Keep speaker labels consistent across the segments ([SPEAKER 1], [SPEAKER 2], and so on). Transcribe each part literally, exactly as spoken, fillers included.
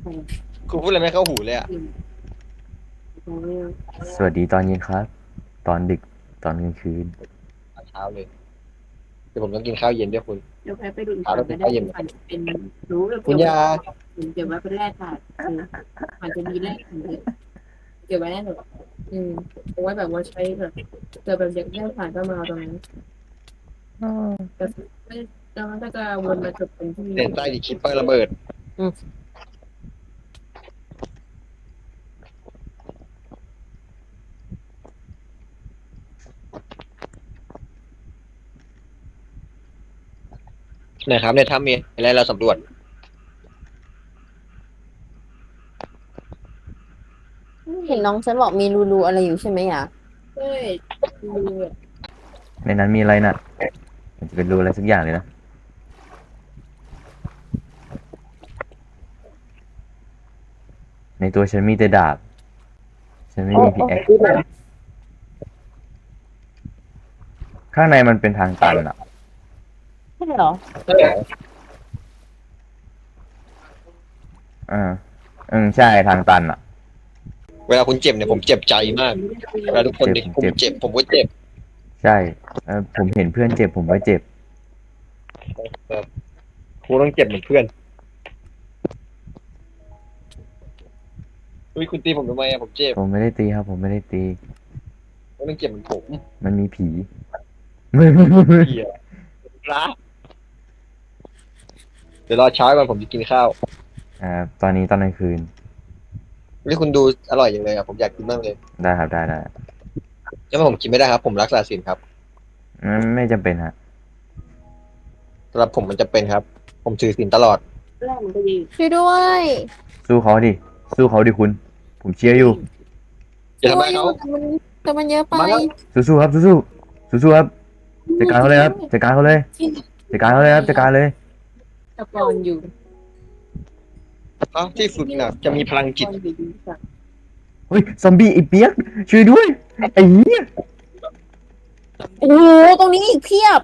[SPEAKER 1] คุณพูดอะไรไม่เข้าหูเลยอะ
[SPEAKER 2] สวัสดีตอนเย็นครับ ตอนดึกตอนกลางคืน
[SPEAKER 1] ตอนเช้าเลยเดี๋ยวผมต้องกินข้าวเย็นด้วยคุณ
[SPEAKER 3] เดี๋ยวแพ้ไปดูอีก
[SPEAKER 1] เช้าต้องกิ
[SPEAKER 3] ฝั่งก็ได้
[SPEAKER 1] นข้าวเย็นเหมือนกัน
[SPEAKER 3] ฝันจะเป็นรู้เ
[SPEAKER 1] คุณยา
[SPEAKER 3] กี่ยวไว้เก็บไว้เป็นแร่ธาตุคือมันจะมีแร่ธาตุเก็บไว้แน่นอนอืมเอาไว้แบบว่าใช้แบบเจอแบบอยากได้ผ่านก็มาเอาตรงนั้นแต่ไม่แล้วมันก็จะวนมาจบเป็นที่
[SPEAKER 1] เด่นใต้ดิคิปเปอร์ระเบิดอืมนะครับในถ้ำมีอะไรเราสำรวจ
[SPEAKER 3] เห็นน้องฉันบอกมีรูรูอะไรอยู่ใช่ไหมอ่ะใช่รู
[SPEAKER 2] ในนั้นมีอะไรน่ะมันจะเป็นรูอะไรสักอย่างเลยนะในตัวฉันมีแต่ดาบฉันไม่มีพิกแอคข้างในมันเป็นทางตันอ่ะ
[SPEAKER 3] ใช่เหรอ
[SPEAKER 2] อ่าอืมใช่ทางตันอ่ะ
[SPEAKER 1] เวลาคุณเจ็บเนี่ยผมเจ็บใจมากเวลาทุกคน
[SPEAKER 2] เจ็บ
[SPEAKER 1] ที่
[SPEAKER 2] ผมเจ็บ
[SPEAKER 1] ผมเจ็บผมก็เจ็บ
[SPEAKER 2] ใช่เออผมเห็นเพื่อนเจ็บผมก็เจ็บ
[SPEAKER 1] แบบครูต้องเจ็บเหมือนเพื่อนอุ้ยคุณตีผมทำไมอะผมเจ็บ
[SPEAKER 2] ผมไม่ได้ตีครับผมไม่ได้ตี
[SPEAKER 1] คุณต้องเจ็บเหมือนผม
[SPEAKER 2] มันมีผีไม่ไม่ไม่ไม่
[SPEAKER 1] เหี้ยรักเดี๋ยวรอเช้าก่อนผมจะกินข้าว
[SPEAKER 2] อ่าตอนนี้ตอนกลางคืน
[SPEAKER 1] นี่คุณดูอร่อยอย่างเลยอะผมอยากกินมากเลย
[SPEAKER 2] ได้ครับได้ได้
[SPEAKER 1] แล้วผมกินไม่ได้ครับผมรักษาศีลครับ
[SPEAKER 2] ไม่ไม่จำเป็นฮะ
[SPEAKER 1] สำหรับผมมันจะเป็นครับผมถือศีลตลอด
[SPEAKER 3] แรกมันก็ดีช่วยด้วย
[SPEAKER 2] สู้เขาดิสู้เขาดิคุณผมเชียร์อยู่
[SPEAKER 1] อย่า
[SPEAKER 3] ช่วยอยู่
[SPEAKER 1] ทำร้ายเขา
[SPEAKER 3] แต่มันแต่มันเยอะไป
[SPEAKER 1] มาแล้ว
[SPEAKER 2] สู้ๆครับสู้ๆสู้ๆครับจัดการเขาเลยครับจัดการเขาเลย
[SPEAKER 3] ที่
[SPEAKER 2] จัดการเขาเลยครับจัดการเลย
[SPEAKER 3] ตะปอนอยู่
[SPEAKER 1] เขาที่ฝึกหนักจะมีพลังจิต
[SPEAKER 3] ตะปอนอยู่ดีสัก
[SPEAKER 2] เฮ้ยซอมบี้ไอ้เปียกช่วยด้วยไอ้เหี้ย
[SPEAKER 3] โอ้โหตรงนี้อีกเพียบ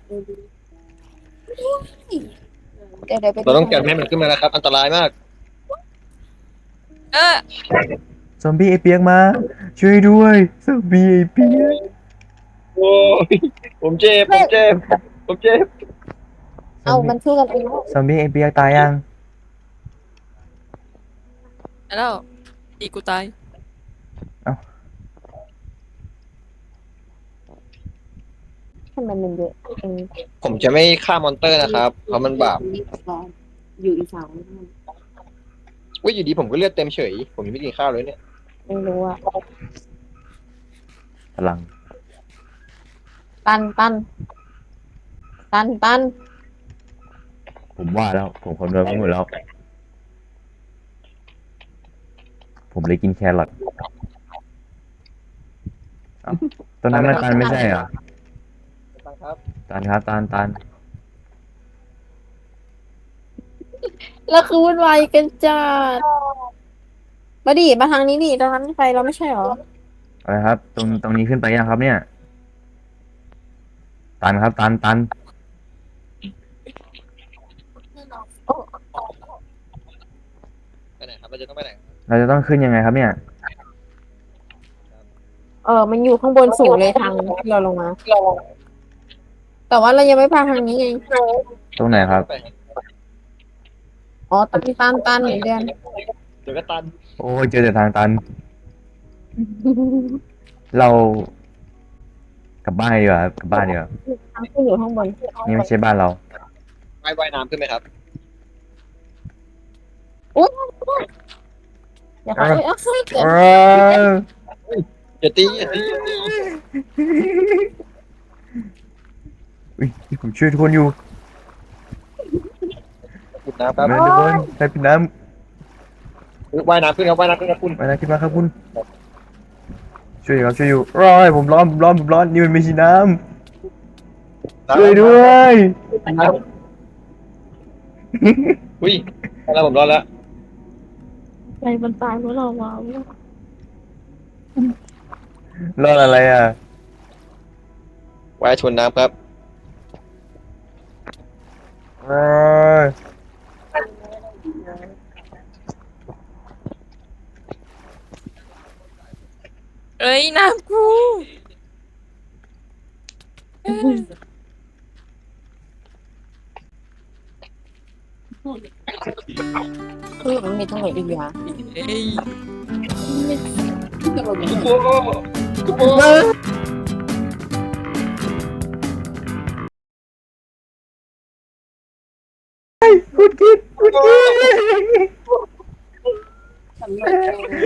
[SPEAKER 3] เดี๋ยวเดี๋ยวไป
[SPEAKER 1] เราต้องกันไม่ให้มันขึ้นมานะครับ อันตรายมาก
[SPEAKER 3] เออ
[SPEAKER 2] ซอมบี้ไอ้เปียกมาช่วยด้วยซอมบี้ไอ้เปียก
[SPEAKER 1] โอ้ยผมเจ็บผมเจ็บผมเจ็บ
[SPEAKER 3] เอา
[SPEAKER 2] ซอมบี้
[SPEAKER 3] มันช่วยกันเองแล้ว
[SPEAKER 2] ซอมบี้ไอ้เปียกตายยัง
[SPEAKER 4] แล้วอีกูตาย
[SPEAKER 2] เอ้า
[SPEAKER 3] ทำไมมันเยอะเอง
[SPEAKER 1] ผมจะไม่ฆ่ามอนเตอร์นะครับเพราะมันบาป
[SPEAKER 3] อยู่อีสาน
[SPEAKER 1] ว่าอยู่ดีผมก็เลือดเต็มเฉยผมยังไม่กินข้าวเลยเนี่ย
[SPEAKER 3] ไม่รู้อะ
[SPEAKER 2] พลัง
[SPEAKER 3] ปันปันปันปัน
[SPEAKER 2] ผมว่าแล้วผมคำนวณไว้หมดแล้วผมเลยกินแครอทเอ้าตอนนั้นมันตันไม่ใช่เหรอ
[SPEAKER 1] ตังครับ
[SPEAKER 2] ตันครับตันตัน
[SPEAKER 3] แล้วคือวุ่นวายกันจัดมาดิมาทางนี้ดิตรงนั้นไปเราไม่ใช่หรอ
[SPEAKER 2] อะไรครับตรงตรงนี้ขึ้นไปยังครับเนี่ยตันครับตันตัน
[SPEAKER 1] ไปไหนครับเราจะต้องไปไหน
[SPEAKER 2] เราจะต้องขึ้นยังไงครับเนี่ย
[SPEAKER 3] เออมันอยู่ข้างบนสูงเลยทางที่เราลงมาแต่ว่าเรายังไม่พาทางนี้ไง
[SPEAKER 2] ตรงไหนครับ
[SPEAKER 1] ไป
[SPEAKER 3] อ๋อตันตันตันเหมือนเดิม
[SPEAKER 1] เดี๋ยวก็ตัน
[SPEAKER 2] โอ้ยเจอแต่ทางตันเรากลับบ้านดีกว่าครับกลับบ้านดีกว่า
[SPEAKER 3] ทางขึ้นอยู่ข้างบน
[SPEAKER 2] นี่ไม่ใช่บ้านเรา
[SPEAKER 1] ว่ายว่ายน้ำขึ้นไหมครับ
[SPEAKER 3] อุ๊ยเดี๋ยวขอเอ้ยเอาให้เกิ
[SPEAKER 2] เอ
[SPEAKER 3] น
[SPEAKER 2] อ
[SPEAKER 1] อย่าตีอย่าตีอย่าตี
[SPEAKER 2] อุ๊ยผมช่วยทุกคนอยู่
[SPEAKER 1] ขุดน้ำครับ
[SPEAKER 2] มาทุกคนใครเป็นน้
[SPEAKER 1] ว่ายน้ำขึ้นครับว่ายน้ำขึ้นครับคุณ
[SPEAKER 2] ำมาแล้วขึ้นมาครับคุณช่วยอยู่ครับช่วยอยู่ร้อยผมร้อนผมร้อนผมร้อนนี่มันไม่ใช่น้ำช่วยด้วย
[SPEAKER 1] น้ำอุ้ยแล้วผมรอดแล้ว
[SPEAKER 3] ใจมันตายเพราะเราว้าว
[SPEAKER 2] รอดอะไรอ่ะ
[SPEAKER 1] ว่ายชนน้ำครับ
[SPEAKER 2] เอย
[SPEAKER 4] เอ้ยน้ำกูเอ้ย
[SPEAKER 3] คือมันมีทั้งหมดอีกอย่าง
[SPEAKER 4] เอ้ย
[SPEAKER 3] ที่จะบอกอย่าง
[SPEAKER 1] โอ้โหโอ้โห
[SPEAKER 2] คุณกิดคุณกิด
[SPEAKER 3] สำรวจ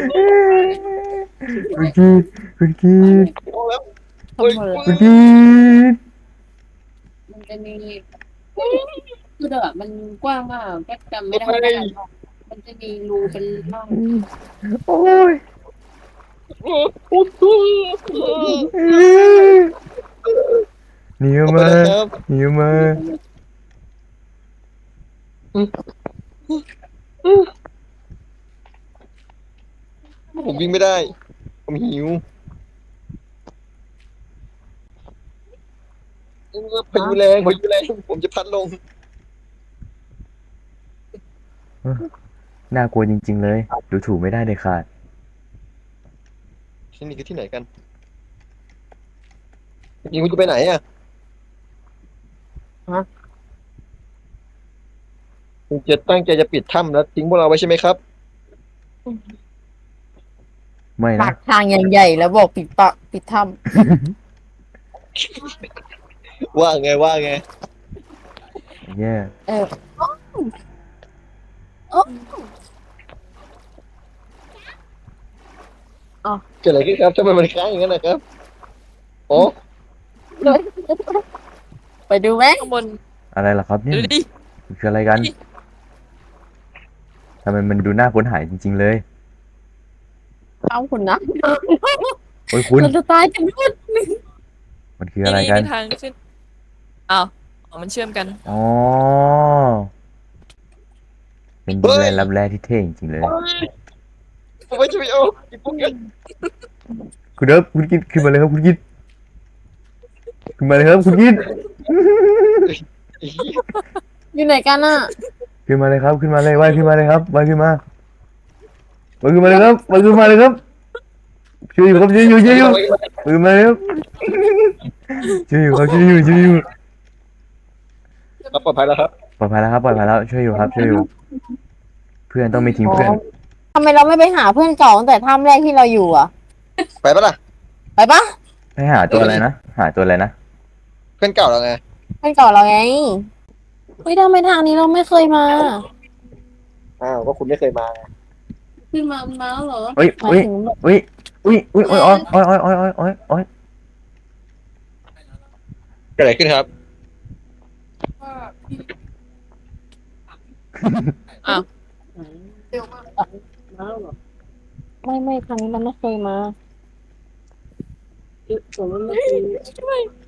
[SPEAKER 2] คุณกิดคุณกิด
[SPEAKER 3] สำรวจ
[SPEAKER 2] คุณกิด
[SPEAKER 3] มันจะมีคือแบบมันกว้างมากก็จำไม่ได้ว่าอะไรมันจะมีรูเป็นร่อง
[SPEAKER 2] โอ้ย
[SPEAKER 1] โอ้โห
[SPEAKER 2] หนีออก
[SPEAKER 1] ไป
[SPEAKER 2] มา
[SPEAKER 1] แล้วครับ
[SPEAKER 2] หนีออกมา
[SPEAKER 1] ผมวิ่งไม่ได้ ผมหิวพายุแรงพายุแรงผมจะพัดลง
[SPEAKER 2] น่ากลัวจริง ๆ เลย ดูถูกไม่ได้เลยขาด
[SPEAKER 1] ที่นี่คือที่ไหนกันจริงๆคุณจะไปไหนอ่ะคุณจะตั้งใจจะปิดถ้ำแล้วทิ้งพวกเราไว้ใช่ไหมครับ
[SPEAKER 2] ไม่
[SPEAKER 3] ปา
[SPEAKER 2] นะ
[SPEAKER 3] กทางใหญ่ๆแล้วบอกปิดปากปิดถ้
[SPEAKER 1] ว่าไงว่าไง
[SPEAKER 2] แย่
[SPEAKER 3] ำเออ
[SPEAKER 1] เกิดอะไรขึ้นครับทำไมมันค้างอย่างนั้นนะครับโอ้
[SPEAKER 3] ไปดูไหม
[SPEAKER 4] ข้างบน
[SPEAKER 2] อะไรล่ะครับเนี่ย
[SPEAKER 4] ดูดิ
[SPEAKER 2] มันคืออะไรกันทำไมมันดูน่าค้นหาจริง ๆ เลย
[SPEAKER 3] เอาคุณนะ
[SPEAKER 2] โอ้ยคุณ
[SPEAKER 3] เราจะตายกันหมด
[SPEAKER 2] มันคือ
[SPEAKER 4] นี่
[SPEAKER 2] อะไร
[SPEAKER 4] นี่
[SPEAKER 2] กัน
[SPEAKER 4] มีทางขึ้นอ้าวอ๋อมันเชื่อมกัน
[SPEAKER 2] อ๋อ เป็นดินแดนลับแลที่เท่จริงๆเลย
[SPEAKER 1] ผมไม่จะไปเอาอีกพวกกัน
[SPEAKER 2] คุณเดิฟคุณกินขึ้นมาเลยครับคุณกินขึ้นมาเลยครับคุณกิน
[SPEAKER 3] อยู่ไหนกันอ่ะ
[SPEAKER 2] ขึ้นมาเลยครับขึ้นมาเลยว่ายขึ้นมาเลยครับว่ายขึ้นมาว่ายขึ้นมาเลยครับว่ายขึ้นมาเลยครับช่วยอยู่ครับช่วยอยู่ช่วยอยู่ว่ายขึ้นมาเลยครับช่วยอยู่ครับช่วยอยู่ช่วยอยู่
[SPEAKER 1] ครับปลอดภัยแล้วครับ
[SPEAKER 2] ปลอดภัยแล้วครับปลอดภัยแล้วช่วยอยู่ครับช่วยอยู่ เพื่อนต้องไม่ทิ้งเพื่อน
[SPEAKER 3] ทำไมเราไม่ไปหาเพื่อนเก่าตั้งแต่ถ้ำแรกที่เราอยู่อ่ะ
[SPEAKER 1] ไปปะล่ะ
[SPEAKER 3] ไปปะ
[SPEAKER 2] ให้หาตัวอะไรนะหาตัวอะไรนะ
[SPEAKER 1] เพื่อนเก่าเราไง
[SPEAKER 3] เพื่อนเก่าเราไงเฮ้ยทำไมทางนี้เราไม่เคยมา
[SPEAKER 1] อ้าวก็คุณไม่เคยมาไง
[SPEAKER 3] ขึ้นมามาแล้วเหรอ
[SPEAKER 2] เฮ้ย
[SPEAKER 3] หมาย
[SPEAKER 2] เฮ้ย
[SPEAKER 3] ถึง
[SPEAKER 2] เฮ้ยเฮ้ยเฮ้ยโอ้ยโอ้ยโอ้ยโอ้ยโอ้ยโอ้ยโอ้ย
[SPEAKER 1] เกิดอะไรขึ้นครับ
[SPEAKER 4] อ้าว
[SPEAKER 3] ไม่ไม่ครั้งนี้เราไม่เคยมาผมว่าไม่เคย
[SPEAKER 4] ช่วย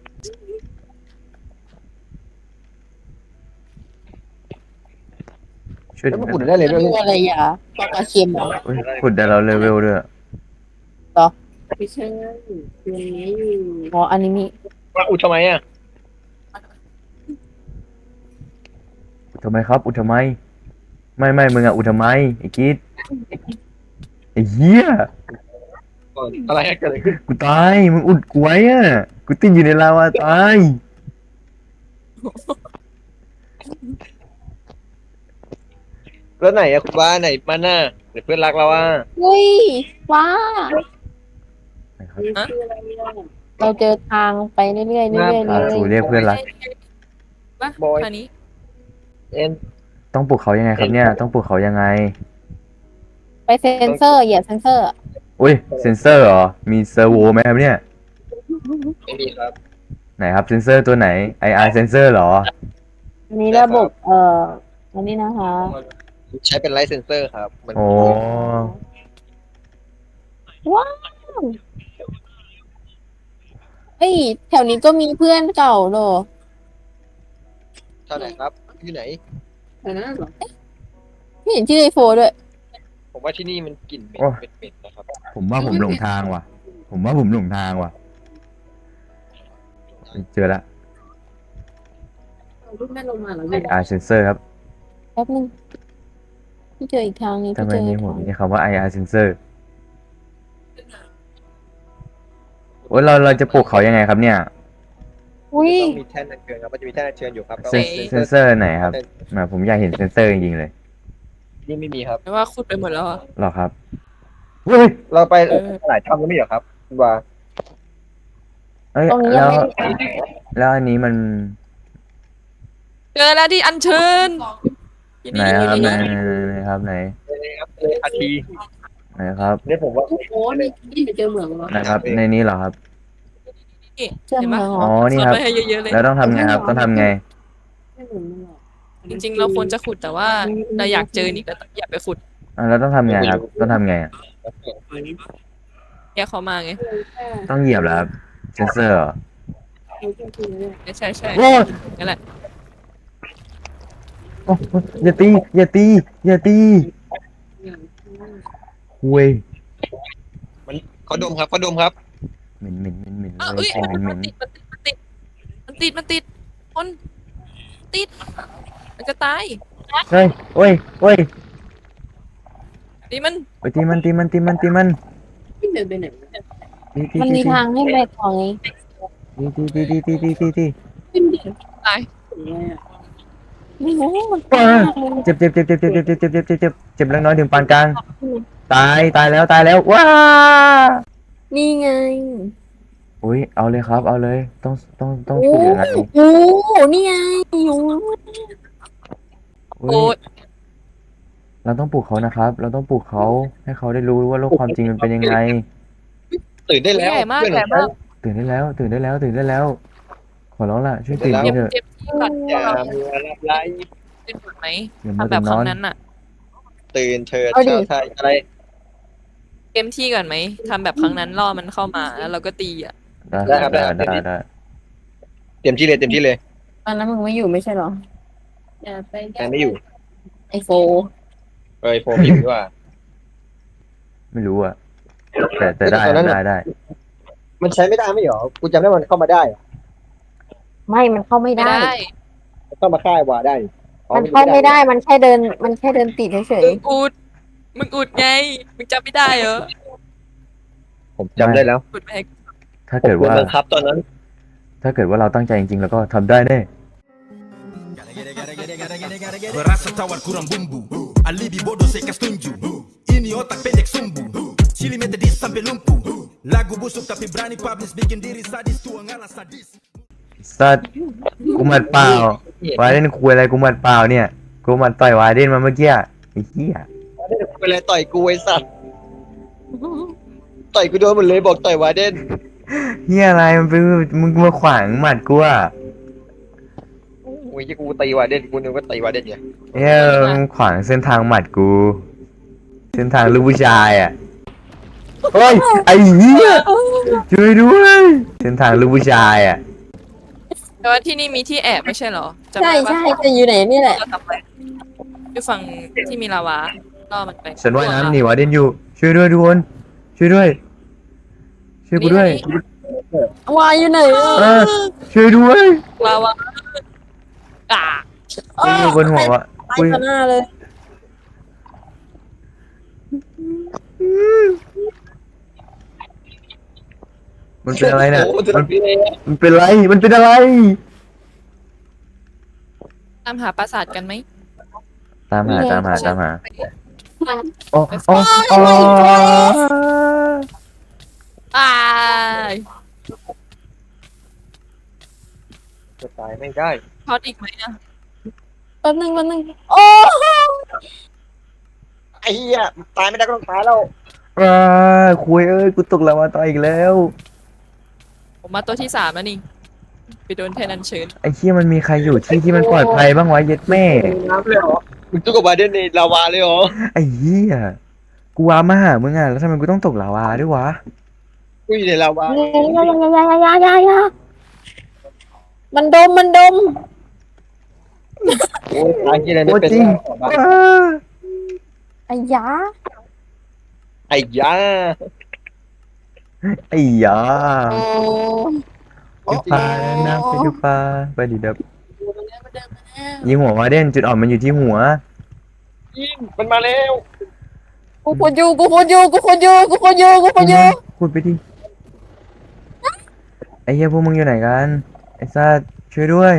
[SPEAKER 2] ช่วย
[SPEAKER 1] แล้ว
[SPEAKER 2] ดิ
[SPEAKER 1] มันขุดได้เลยด้วย
[SPEAKER 3] ดูอะไรอ่ะปลาเค็มเหรอ
[SPEAKER 2] เฮ้ยขุดได้เราเลเวลด้วย
[SPEAKER 3] ไม่ใช่ตัวนี้อ๋ออันนี้มี
[SPEAKER 1] มาอุดทำไมอ่ะ
[SPEAKER 2] อุดทำไมครับอุดทำไมไม่ไม่มึงอะอุดทำไมไอ้กิ๊ดไอ้เหี้ย
[SPEAKER 1] อะไรอะเกิดอะไรขึ้น
[SPEAKER 2] กูตายมึงอุดกูไว้อะกูติดอยู่ในลาวาตาย
[SPEAKER 1] แล้วไหนอะคุณว่าไหนมาน่ะเดี๋ยวเพื่อนรักเราอ่ะ
[SPEAKER 3] เฮ้ยว้า
[SPEAKER 2] นะครับ
[SPEAKER 3] เราเจอทางไปเรื่อยๆเรื่อยๆเล
[SPEAKER 2] อ่าย จูเรียกเพื่อนรัก
[SPEAKER 4] ปะทางนี้
[SPEAKER 1] เอ็น
[SPEAKER 2] ต้องปลุกเขายังไงครับเนี่ยต้องปลุกเขายังไง
[SPEAKER 3] ไปเซ็นเซอร์เหยียบเซ็นเซอร์
[SPEAKER 2] อุ้ยเซนเซอร์เหรอมีเซอร์โวไหมครับเนี่ย
[SPEAKER 1] ไม่มีครับ
[SPEAKER 2] ไหนครับเซนเซอร์ตัวไหน ไอ อาร์ เซนเซอร์เหรอ
[SPEAKER 3] อันนี้ระบบเอ่ออันนี้นะคะ
[SPEAKER 1] ใช้เป็นไลท์เซนเซอร์ครับมัน
[SPEAKER 2] โอ้
[SPEAKER 3] ว้าวเฮ้ยแถวนี้ก็มีเพื่อนเก่าเหรอ
[SPEAKER 1] เท่าไหร่ครับที่ไหน
[SPEAKER 3] แถวนั้นเหรอไม่เห็นชื่อไอโฟด้วย
[SPEAKER 1] ผมว่าที่นี่มันกลิ่นเหม็นเหม็นๆนะครับ
[SPEAKER 2] ผมว่าผมหลงทางว่ะ ผมว่าผมหลงทางว่ะเจอละ
[SPEAKER 3] รูปแม่ลงมาเหรอ
[SPEAKER 2] ไอ อาร์ เซนเซอร์ครับ
[SPEAKER 3] แป๊บนึงพี่เจออีกทางนี้
[SPEAKER 2] ทำ
[SPEAKER 3] พี่
[SPEAKER 2] ไม
[SPEAKER 3] เจอ
[SPEAKER 2] มี
[SPEAKER 3] อีก
[SPEAKER 2] ผม
[SPEAKER 3] ทาง
[SPEAKER 2] มีคำว่า ไอ อาร์ เซนเซอร์โอ้ยเราเราจะปลูกเขายังไงครับเนี่ย
[SPEAKER 3] อุ้ย
[SPEAKER 1] ต้องมีแท่นอัญเชิญครับมันจะมีแท่นอัญเชิญอยู่ครับ
[SPEAKER 2] เซนเซนเซอร์ไหนครับแหมผมอยากเห็นเซนเซอร์จริงๆเลย
[SPEAKER 1] นี่ไม่มีครับ
[SPEAKER 4] ไม่ว่าขุดไปหมดแล้วอะ
[SPEAKER 2] หรอครับเฮ้ย
[SPEAKER 1] เราไปหลายถ้ำก็ไม่เหรอครับคุณว่า
[SPEAKER 2] เอ้ย
[SPEAKER 3] ตรงนี้ยั
[SPEAKER 2] แล้
[SPEAKER 3] ง
[SPEAKER 2] ว
[SPEAKER 3] ไม่
[SPEAKER 2] แล้วอันนี้มัน
[SPEAKER 4] เจอแล้วที่อัญเชิญ
[SPEAKER 2] ไหนครับไหนไหนไหนไหนครับไหน
[SPEAKER 1] ครับอาที
[SPEAKER 2] ไหนครับ
[SPEAKER 1] เนี่ยผมว่า
[SPEAKER 3] โอ้โหนี่นี่ไปเจอเหมืองเหรอ
[SPEAKER 2] ไหนครับในนี้เหรอครับ
[SPEAKER 4] นี่
[SPEAKER 3] เจอ
[SPEAKER 4] เห็น
[SPEAKER 3] เหมื
[SPEAKER 4] ปะ
[SPEAKER 3] องเหร
[SPEAKER 2] อ๋อ
[SPEAKER 3] อ
[SPEAKER 2] นี่
[SPEAKER 4] สอน
[SPEAKER 2] ครับ
[SPEAKER 4] ไปให้เยอะๆเลย
[SPEAKER 2] แล้วต้องทำไงครับ ต้องทำไง
[SPEAKER 3] ไม่เหมือนมันหรอก
[SPEAKER 4] จริงๆ เราควรจะขุดแต่ว่าเราอยากเจอนี่ก็อย่าไปขุด
[SPEAKER 2] อ่ะแล้วต้องทำไงครับ ต้องทำไงอ่ะ
[SPEAKER 4] แยกเขามาไง
[SPEAKER 2] ต้องเหยียบเหรอครับเซนเซอร์เหรอ
[SPEAKER 4] ใช่ใช่
[SPEAKER 2] โอ้ย
[SPEAKER 4] นั่นแหละ
[SPEAKER 2] โอ้ยอย่าตี อย่าตี อย่าตีคุย
[SPEAKER 1] เขาดมครับเขาดมครับ
[SPEAKER 2] เหม็นเหม็นเหม็นเหม็น
[SPEAKER 4] อ้าว
[SPEAKER 2] เล
[SPEAKER 4] เอ้
[SPEAKER 2] ย
[SPEAKER 4] ย
[SPEAKER 2] ของ
[SPEAKER 4] มัน
[SPEAKER 2] เห
[SPEAKER 4] มั
[SPEAKER 2] ม็
[SPEAKER 4] น
[SPEAKER 2] น
[SPEAKER 4] ติดมันติดมันติดมันติดมันติดมันติดมันจะตาย
[SPEAKER 2] เฮ้ยโอ้ยโอ้ย
[SPEAKER 4] นี่มัน
[SPEAKER 2] ไปตีมันตีมันตีมันตีมัน
[SPEAKER 3] ที่เดินไปไหน
[SPEAKER 2] ตีตี
[SPEAKER 3] มัน
[SPEAKER 2] ตี
[SPEAKER 3] มีทางให้ไปของไง
[SPEAKER 2] ตีตีตีตีตีตีตี
[SPEAKER 3] ขึ้นดิ
[SPEAKER 4] ตาย
[SPEAKER 3] ไม่รู้มัน
[SPEAKER 2] เออเจ็บเจ็บเจ็บเจ็บเจ็บเจ็บเจ็บเจ็บเจ็บเจ็บเจ็บเจ็บเล็กน้อยถึงปานกลางตายตายแล้วตายแล้วว้า
[SPEAKER 3] นี่ไง
[SPEAKER 2] อุ้ยเอาเลยครับ เอาเลยต้องต้องต้อง
[SPEAKER 3] โอ้
[SPEAKER 2] ฝึกยังไง
[SPEAKER 3] โหนี่ไงอยู่
[SPEAKER 2] อุ้
[SPEAKER 4] โอ้
[SPEAKER 2] ยเราต้องปลูกเขานะครับ เราต้องปลูกเขาให้เขาได้รู้ว่าโลกความจริงมันเป็นยังไง
[SPEAKER 1] ตื่นได้แล้ว
[SPEAKER 4] ใหญ่มาก
[SPEAKER 1] เพื่อน
[SPEAKER 4] ใหญ่
[SPEAKER 1] ของ
[SPEAKER 4] มา
[SPEAKER 1] เขา
[SPEAKER 4] ก
[SPEAKER 2] ตื่นได้แล้ว ตื่นได้แล้วตื่นได้แล้ว ขอร้องล่ะช่วยตื่น
[SPEAKER 1] ตื่
[SPEAKER 2] ที
[SPEAKER 1] น
[SPEAKER 2] เถ
[SPEAKER 1] ได้
[SPEAKER 2] อะ
[SPEAKER 4] เจ็บที่ก่อน
[SPEAKER 1] อย่ามัวรับไล่
[SPEAKER 4] เป็นหมดไหม
[SPEAKER 2] อย่ามัว
[SPEAKER 4] ทำแบ
[SPEAKER 2] แต่
[SPEAKER 4] บ
[SPEAKER 2] น
[SPEAKER 4] ครั้
[SPEAKER 2] อง น
[SPEAKER 4] นั้นอะ
[SPEAKER 1] ตื่นเถิด
[SPEAKER 3] เอาดิ
[SPEAKER 1] ชาวไทยอะไร
[SPEAKER 4] เกมที่ก่อนไหมทำแบบครั้งนั้นล่อมันเข้ามาแล้วเราก็ตีอ่ะ
[SPEAKER 2] ได้ครับได้ได้ได้
[SPEAKER 1] เต็มที่เลยเต็มที่เลย
[SPEAKER 3] ตอนนั้นมึงไม่อยู่ไม่ใช่เหรออย่าไป
[SPEAKER 1] แต่ไม่อยู่
[SPEAKER 3] ไอโฟ
[SPEAKER 1] เอ้ยโฟมอยู่ดีกว่า
[SPEAKER 2] ไม่รู้อะแต่แต่ได้
[SPEAKER 1] แต่ตอนนั้น
[SPEAKER 2] ได้ได้
[SPEAKER 1] มันใช้ไม่ได้ไม่เหรอกูจำได้มันเข้ามาได้อะ
[SPEAKER 3] ไม่มันเข้าไม่
[SPEAKER 4] ไม่
[SPEAKER 3] ได้
[SPEAKER 4] ได้
[SPEAKER 1] มันเข้ามาค่ายวาได้อ๋อ
[SPEAKER 3] มันเข้าไม่ได้ มันแค่เดิน มันแค่เดินติดเฉย
[SPEAKER 4] มึงอุดมึงอุดไงมึงจำไม่ได้เหรอ
[SPEAKER 1] ผมจำได้แล้ว
[SPEAKER 4] อุดไปให้
[SPEAKER 2] ถ้าเกิดว่า
[SPEAKER 1] ผมโนบังคับตอนนั้น
[SPEAKER 2] ถ้าเกิดว่าเราตั้งใจจริงๆ แล้วก็ทำได้แน่
[SPEAKER 5] Berasa tawar kurang bumbu Alibi bodoh saya setuju Ini otak pendek sumbu Cili mete dis sampai lumpuh Lagu busuk tapi berani publish Bikin diri sadis tua ngalah sadis
[SPEAKER 2] สัตว์กูหมัดเปล่าวาเดนคุยอะไรกูหมัดเปล่าเนี่ย กูหมัดต่อยวาเดนมาเมื่อกี้ไอ้เหี้ย
[SPEAKER 1] ไปเลยต่อยกูไอ้สัตว์ต่อยกูโดนหมดเลยบอกต่อยวาเดน
[SPEAKER 2] เหี้ยอะไรมันเป็นมึงมาขวางหมัดกูอะ
[SPEAKER 1] โอ้ยกูตีวาเดนกูนึกว่าตีวาเดนไง
[SPEAKER 2] เหี้ยมึงขวางเส้นทางหมัดกู เส้นทางลูกผู้ชายอะเฮ้ยไอ้เหี้ยช่วยด้วยเส้นทางลูกผู้ชายอะ
[SPEAKER 4] แต่ว่าที่นี่มีที่แอบไม่ใช่เหรอ
[SPEAKER 3] ๆ
[SPEAKER 4] จำ
[SPEAKER 3] ใช่
[SPEAKER 4] ได้ปะ
[SPEAKER 3] ใช่จะอยู่ไหนนี่แหละ
[SPEAKER 4] เราทำไปอยู่ฝั่งที่มีลาวาล่อมันไป
[SPEAKER 2] ฉันว่ายน้ำหนีวาเดนอยู่ ช่วยด้วยทุกคนช่วยด้วย ช่วยกูด้วย
[SPEAKER 3] วายอยู่ไหนอ่ะ
[SPEAKER 2] เออช่วยด้วย
[SPEAKER 4] ลาวาอ่า
[SPEAKER 2] กูอยู่บนหัววะ
[SPEAKER 3] ตาย
[SPEAKER 2] กู
[SPEAKER 3] ต่อหน้าเลย
[SPEAKER 2] มันเป็นอะไรเนี่ย
[SPEAKER 1] โอ้โห
[SPEAKER 2] มัน
[SPEAKER 1] พี่เลย
[SPEAKER 2] มันเป็นอะไร มันเป็นอะไร
[SPEAKER 4] ตามหาปราสาทกันไหม
[SPEAKER 2] ตามหาตามหาตามหา
[SPEAKER 3] ไป
[SPEAKER 2] โอ้โอ้โอ้
[SPEAKER 4] ตาย
[SPEAKER 1] จะตายไม่ได้
[SPEAKER 4] พอดอีกไหมอ่ะ
[SPEAKER 3] แป๊บนึงแป๊บนึงโอ้
[SPEAKER 1] ไอ้เหี้ยตายไม่ได้ก็ต้องตายแล้ว
[SPEAKER 2] อ่าคุยเอ้ย กูตกแล้วมาต่ออีกแล้ว
[SPEAKER 4] ผมมาตัวที่สามแล้วนี่ไปโดนแทนอันเชิญ
[SPEAKER 2] ไอ้เชี่ยมันมีใครอยู่ที่ที่มันปลอดภัยบ้างวะเย็ดแม่
[SPEAKER 1] น้ำเลยเหรอมึงตู้กับวาเดนในลาวาเลยเหรอ
[SPEAKER 2] ไอ้เหี้ย กูว้ามาหามึงอ่ะ แล้วทำไมกูต้องตกลาวาด้วยวะ
[SPEAKER 1] กูอยู่ในลาวา
[SPEAKER 3] ยายายายายายายามันดมมันดม
[SPEAKER 1] โอ้ยตายที่อะไรไม่
[SPEAKER 2] โอ้
[SPEAKER 1] เป็น
[SPEAKER 2] จริง
[SPEAKER 1] ไร
[SPEAKER 2] อ่า
[SPEAKER 3] ไอ้ยา
[SPEAKER 1] ไอ้ยา
[SPEAKER 2] ไอ้ยา
[SPEAKER 3] โอ้
[SPEAKER 2] ไปปลาน้ำไปดูปลาไปดิเดับยิงหัวมาเด่นจุดอ่อนมันอยู่ที่หัว
[SPEAKER 1] ยิงมันมาแล้ว
[SPEAKER 3] กูพูดอยู่กูพูดอยู่กูพูดอยู่กูพูดอยู่กูพูดอยู่
[SPEAKER 2] พูดไปดิไอ้เหี้ยพวกมึงอยู่ไหนกันไอ้สัตว์ช่วยด้วย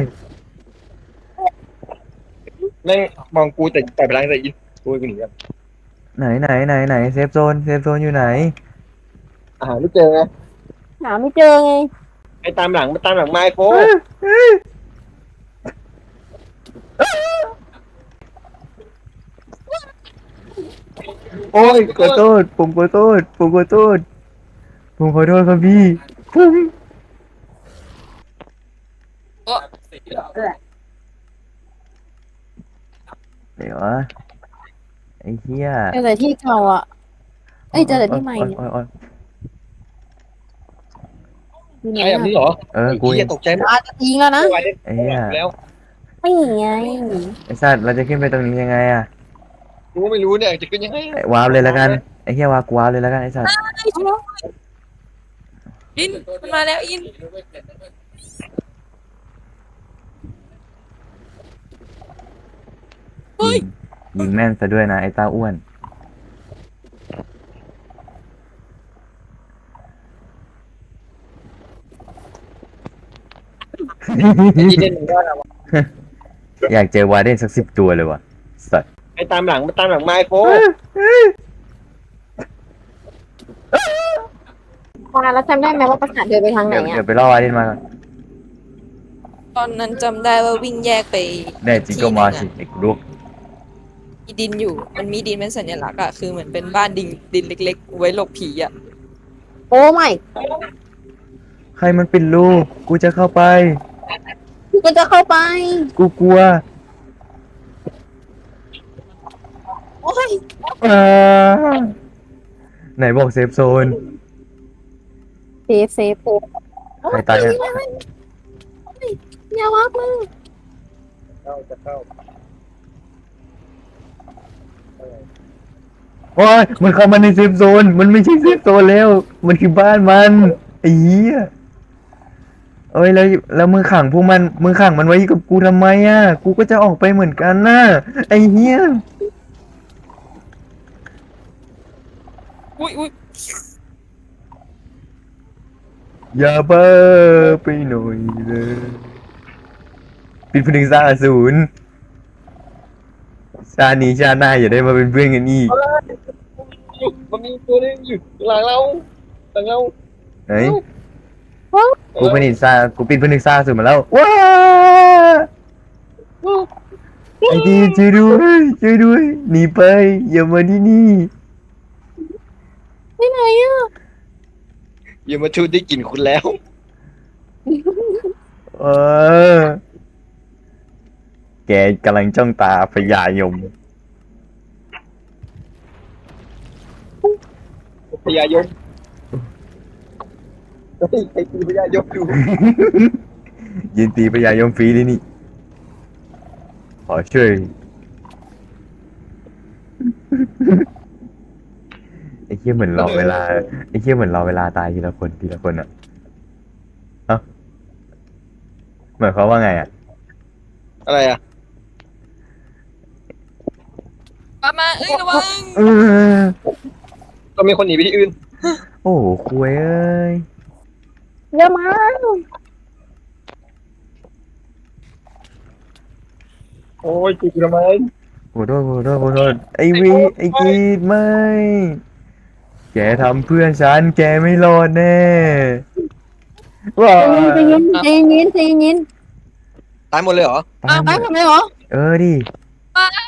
[SPEAKER 1] แม่งมองกูแต่ต่อยไปล้างแต่ยินกูกูหนีครับ
[SPEAKER 2] ไหนไหนไหนไหนเซฟโซนเซฟโซนอยู่ไหน
[SPEAKER 1] อาหารไม่เจอไง
[SPEAKER 3] หาไม่เจอไง
[SPEAKER 1] ไอ้ตามหลังมันตามหลังไม้โฟ
[SPEAKER 2] โอ้ยขอโทษผมขอโทษผมขอโทษผมขอโทษครับพี่ผม
[SPEAKER 4] โอ้
[SPEAKER 2] เดี๋ยววะไอ้เหี้ย
[SPEAKER 3] เจอแต่ที่เก่าอ่ะเอ้ยเจอแต่ที่ใหม่เนี่ย
[SPEAKER 2] โอ๊ยโอ๊ย
[SPEAKER 3] อยู่ไหน
[SPEAKER 1] ใช่แบบ
[SPEAKER 3] อ่ะ
[SPEAKER 1] นี้เหรอ
[SPEAKER 2] เออกู
[SPEAKER 1] ไอ้
[SPEAKER 2] เอ
[SPEAKER 1] เหี้ย
[SPEAKER 2] ง
[SPEAKER 1] ตกใจหมด
[SPEAKER 3] อาจจะยิงแล้วนะ
[SPEAKER 1] ไม่ไหวเลย
[SPEAKER 2] ไอ้เหี้ย
[SPEAKER 1] แล้ว
[SPEAKER 3] ไม่ไง
[SPEAKER 2] ไอ้สัตว์เราจะขึ้นไปตรงนี้ยังไงอะ
[SPEAKER 1] กูก็ไม่รู้เนี่ยจะขึ้นยังไง
[SPEAKER 2] ไอ้วาร์ปเลยแล้วกันไอ้เหี้ยวาร์ปกูวาร์ปเลยแล้วกันไอ้สัตว์
[SPEAKER 4] อินมันมาแล้วอินเฮ้ย
[SPEAKER 2] ยิงแม่นซะด้วยนะไอ้ตาอ้วน
[SPEAKER 1] ไอ้ยีเด่นมึงว่าอะไรวะ
[SPEAKER 2] อยากเจอวาร์เดนสักสิบตัวเลยว่ะสัตว์
[SPEAKER 1] ไอ้ตามหลังมันตามหลังไม้โฟ
[SPEAKER 3] ตอนนั้นเราจำได้ไหมว่าประสาทเดินไปทางไหน
[SPEAKER 2] เดี๋ยว
[SPEAKER 3] อ่ะ
[SPEAKER 2] เดี๋ยวไปล่อวาร์เดนมาก่อน
[SPEAKER 4] ตอนนั้นจำได้ว่าวิ่งแยกไป
[SPEAKER 2] แน่จริงก็มาสิไอ้กูรู้
[SPEAKER 4] มีดินอยู่ มันมีดินเป็นสัญลักษณ์อะคือเหมือนเป็นบ้านดินดินเล็กๆ ไว้หลบผีอะ
[SPEAKER 3] โอ้ไม่
[SPEAKER 2] ใครมันปิดรูกูจะเข้าไป
[SPEAKER 3] กูจะเข้าไป
[SPEAKER 2] กูกลัว
[SPEAKER 3] โอ้ย
[SPEAKER 2] อ่าไหนบอกเซฟโซน
[SPEAKER 3] เซฟเซฟเซฟ
[SPEAKER 2] ใครตายอะ
[SPEAKER 3] อย่าวักมือ
[SPEAKER 1] เข้าจะเข้า
[SPEAKER 2] โอ้ยมันเข้ามาในเซฟโซน มันไม่ใช่เซฟโซนแล้ว มันคือบ้านมันไอ้เหี้ยเอ้ยแล้วแล้วมึงขังพวกมันมึงขังมันไว้กับกูทำไมอ่ะ กูก็จะออกไปเหมือนกันน่ะไอ้เหี้ย
[SPEAKER 4] อุ้ยอุ้ย
[SPEAKER 2] อย่าเบ้อไปหน่อยเลยปิดพนึงสร้างอสูรชาตินี้ชาติหน้าอย่าได้มาเป็นเพื่อนกันอีก
[SPEAKER 1] มันมีตัวนึงอยู่หลังเราหลังเรา
[SPEAKER 2] ไหนกูเป็นอินซากูปิดพนึงสร้างอสูรมาแล้วว้าไอ้ดีช่วยด้วยช่วยด้วยหนีไปอย่ามาที่นี่
[SPEAKER 3] ไปไหนอ่ะ
[SPEAKER 1] อย่ามาชูได้กลิ่นคุณแล้ว
[SPEAKER 2] เออ แกกำลังจ้องตาพญายม
[SPEAKER 1] พญายมเฮ้ยไอ้ตีพญายมอยู่
[SPEAKER 2] ยินตีพญายมฟรีเลยนี่ ขอช่วย ไอ้เหี้ยเหมือนรอเวลา ไอ้เหี้ยเหมือนรอเวลาตายทีละคนทีละคนอ่ะเอ้าหมายความว่าไงอ่ะ
[SPEAKER 1] อะไรอ่ะ
[SPEAKER 4] มามาเอ้ยระวัง
[SPEAKER 2] เออ
[SPEAKER 1] ก็มีคนหนีไปที่อื่น
[SPEAKER 2] โอ้โหคุยเอ้ย
[SPEAKER 3] เดี๋ยวมา
[SPEAKER 1] โอ้ยกูทำไม
[SPEAKER 2] ขอโทษขอโทษขอโทษไอ้วีไอ้กรีดไม่ แกทำเพื่อนฉัน แกไม่รอดแน่ว้า
[SPEAKER 3] ใจเย็นใจเย็นใจเย็น
[SPEAKER 1] ตายหมดเลยเหรอ
[SPEAKER 2] ตายหม
[SPEAKER 3] ไป
[SPEAKER 2] ด
[SPEAKER 3] ทำไมเหรอ
[SPEAKER 2] เออดิ
[SPEAKER 4] มา